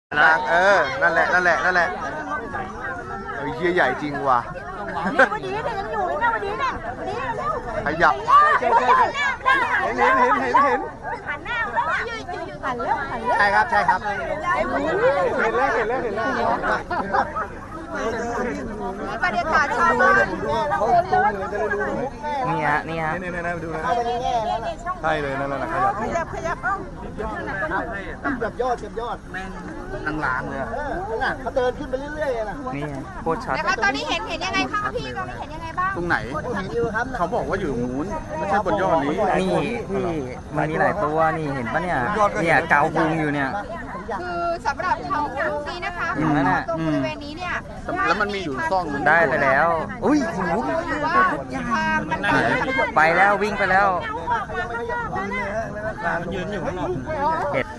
นะนั่นแหละเฮียใหญ่จริงว่ะนี่วันนี้เนี่ยยังอยู่เลยนะวันนี้เนี่ยวันนี้เร็วขยับเห็นหันหน้าแล้วหันแล้วใช่ครับเห็นแล้วมีประเด็นขาดชอบมากนี่ฮะนี่ดูนะใช่เลยนั่นแหละขยับเอ้าเก็บยอดแม่งนั่งล้างเลยน่ะเขาเดินขึ้นไปเรื่อยๆนะนี่โคตรชัดนะคะตอนนี้เห็นยังไงคะพี่ตอนนี้เห็นยังไงบ้างตรงไหนเขาบอกว่าอยู่นู้นไม่ใช่บนยอดนี้นี่พี่มันมีหลายตัวนี่เห็นปะเนี่ยเกาพุงอยู่เนี่ยคือสำหรับเขาลูกนี้นะคะตรงบริเวณนี้เนี่ยแล้วมันมีอยู่ซ่องได้ไปแล้วอุ้ยหูไปแล้ววิ่งไปแล้วยืนอยู่ข้างนอกเห็ด